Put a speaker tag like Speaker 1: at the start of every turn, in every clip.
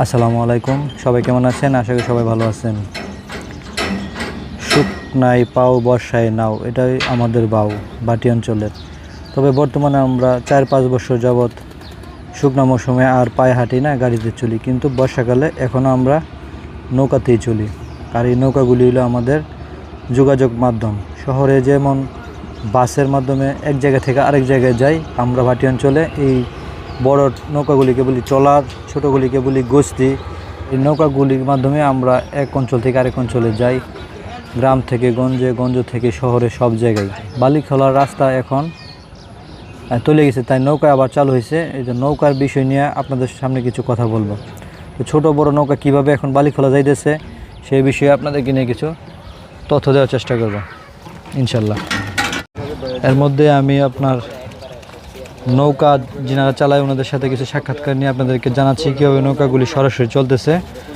Speaker 1: আসসালামু আলাইকুম, সবাই কেমন আছেন? আশা করি সবাই ভালো আছেন। শুকনায় পাও বর্ষায় নাও, এটাই আমাদের বাটি অঞ্চলের। তবে বর্তমানে আমরা 4-5 বছর যাবৎ শুকনা মৌসুমে আর পায়ে হাঁটি না, গাড়িতে চলি, কিন্তু বর্ষাকালে এখনও আমরা নৌকাতেই চলি। আর এই নৌকাগুলি হলো আমাদের যোগাযোগ মাধ্যম। শহরে যেমন বাসের মাধ্যমে এক জায়গা থেকে আরেক জায়গায় যাই, আমরা ভাটি অঞ্চলে এই বড় নৌকাগুলিকে বলি ট্রলার, ছোটোগুলিকে বলি গোস্তি। এই নৌকাগুলির মাধ্যমে আমরা এক অঞ্চল থেকে আরেক অঞ্চলে যাই, গ্রাম থেকে গঞ্জে, গঞ্জ থেকে শহরে, সব জায়গায়। বালিখোলার রাস্তা এখন চলে গেছে, তাই নৌকা আবার চালু হয়েছে। এই যে নৌকার বিষয় নিয়ে আপনাদের সামনে কিছু কথা বলবো। তো ছোটো বড় নৌকা কীভাবে এখন বালিখোলা যাইতেছে সেই বিষয়ে আপনাদেরকে নিয়ে কিছু তথ্য দেওয়ার চেষ্টা করব ইনশাল্লাহ। এর মধ্যে আমি আপনার নৌকা যিনারা চালায় ওনাদের সাথে কিছু সাক্ষাৎকার নিয়ে আপনাদেরকে জানাচ্ছি কীভাবে নৌকাগুলি সরাসরি চলতেছে।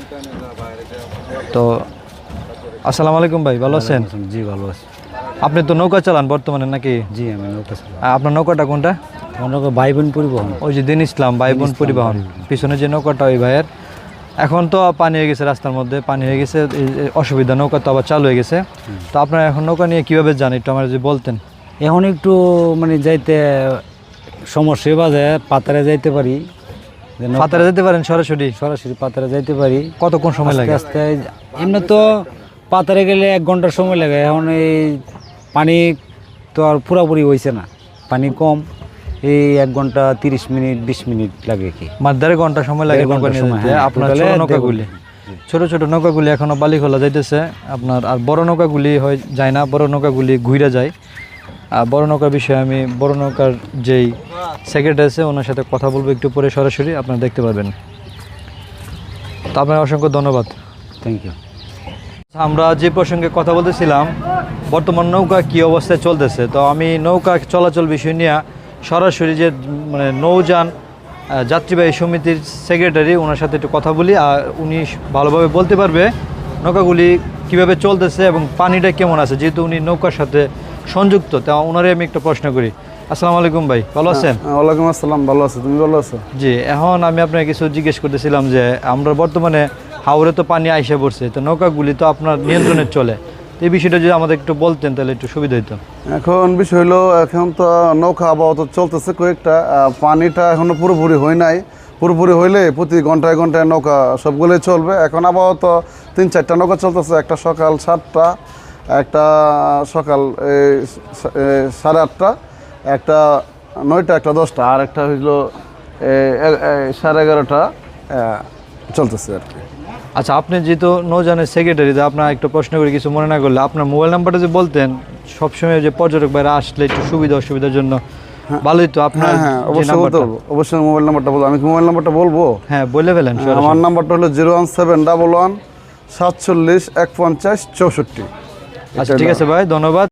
Speaker 1: তো আসসালামু আলাইকুম ভাই, ভালো আছেন?
Speaker 2: জি ভালো আছি।
Speaker 1: আপনি তো নৌকা চালান বর্তমানে নাকি?
Speaker 2: জি আমি নৌকা চালাই।
Speaker 1: আপনার নৌকাটা কোনটা?
Speaker 2: নৌকা ভাইবোন পরিবহন।
Speaker 1: ওই যে দিন ইসলাম ভাইবোন পরিবহন, পিছনে যে নৌকাটা ওই ভাইয়ের। এখন তো পানি হয়ে গেছে, রাস্তার মধ্যে পানি হয়ে গেছে, অসুবিধা, নৌকা তো আবার চালু হয়ে গেছে। তো আপনারা এখন নৌকা নিয়ে কীভাবে যান একটু আমার যদি বলতেন।
Speaker 2: এখন একটু মানে যাইতে সমস্যা বাজে, পাতারে যাইতে পারি।
Speaker 1: পাতারে যেতে পারেন সরাসরি?
Speaker 2: সরাসরি পাতারে যাইতে পারি।
Speaker 1: কতক্ষণ সময় লাগে?
Speaker 2: আস্তে এমনি তো পাতারে গেলে 1 ঘন্টার সময় লাগে। এখন এই পানি তো আর পুরাপুরি হয়েছে না, পানি কম, এই 1 ঘন্টা 30 মিনিট 20 মিনিট লাগে কি,
Speaker 1: মাছ 1.5 ঘন্টা সময় লাগে নৌকা নিয়ে যেতে। আপনার ছোট নৌকাগুলি, ছোট ছোট নৌকাগুলি এখনও বালিখোলা যাইতেছে আপনার, আর বড় নৌকাগুলি হয় যায় না, বড় নৌকাগুলি ঘুরে যায়। আর বড় নৌকার বিষয়ে আমি বড় নৌকার যেই সেক্রেটারি আছে ওনার সাথে কথা বলবো একটু পরে, সরাসরি আপনারা দেখতে পারবেন। তো আপনার অসংখ্য ধন্যবাদ।
Speaker 2: Thank you.
Speaker 1: আমরা যে প্রসঙ্গে কথা বলতেছিলাম, বর্তমান নৌকা কী অবস্থায় চলতেছে, তো আমি নৌকা চলাচল বিষয় নিয়ে সরাসরি যে মানে নৌযান যাত্রীবাহী সমিতির সেক্রেটারি ওনার সাথে একটু কথা বলি, আর উনি ভালোভাবে বলতে পারবে নৌকাগুলি কিভাবে চলতেছে এবং পানিটা কেমন আছে, যেহেতু উনি নৌকার সাথে সংযুক্ত। তা ওনারে আমি একটা প্রশ্ন করি। আসসালামু আলাইকুম ভাই, ভালো আছেন?
Speaker 3: ওয়ালাইকুম আসসালাম, ভালো আছো, তুমি ভালো আছো?
Speaker 1: জি, এখন আমি আপনাকে কিছু জিজ্ঞেস করতেছিলাম যে আমরা বর্তমানে হাওরে তো পানি আইসা পড়ছে, তো নৌকাগুলি তো আপনার নিয়ন্ত্রণে চলে, তো এই বিষয়টা যদি আমাদের একটু বলতেন তাহলে একটু সুবিধা হতো।
Speaker 3: এখন বিষয় হলো, এখন তো নৌকা আবহাওয়া চলতেছে কয়েকটা, পানিটা এখনো পুরোপুরি হয় নাই। পুরোপুরি হইলে প্রতি ঘন্টায় ঘন্টায় নৌকা সবগুলোই চলবে। এখন আবহাওয়া তো 3-4টা নৌকা চলতেছে, একটা সকাল 7টা, একটা সকাল 8:30, একটা 9টা, একটা 10টা, আর একটা হইলো 11:30 চলতেছে আর কি।
Speaker 1: আচ্ছা, আপনি যেহেতু নৌযানের সেক্রেটারি, আপনার একটা প্রশ্ন করে কিছু মনে না করলে আপনার মোবাইল নাম্বারটা যে বলতেন, সবসময় যে পর্যটক বাইরে আসলে একটু সুবিধা অসুবিধার জন্য ভালোই তো আপনার।
Speaker 3: হ্যাঁ অবশ্যই বলতে বলবো, অবশ্যই মোবাইল নাম্বারটা বলবো। আমি কি মোবাইল নাম্বারটা বলবো?
Speaker 1: হ্যাঁ বলে ফেলেন।
Speaker 3: আমার নাম্বারটা হলো 01711 47 150 64।
Speaker 1: আচ্ছা ঠিক আছে ভাই, ধন্যবাদ।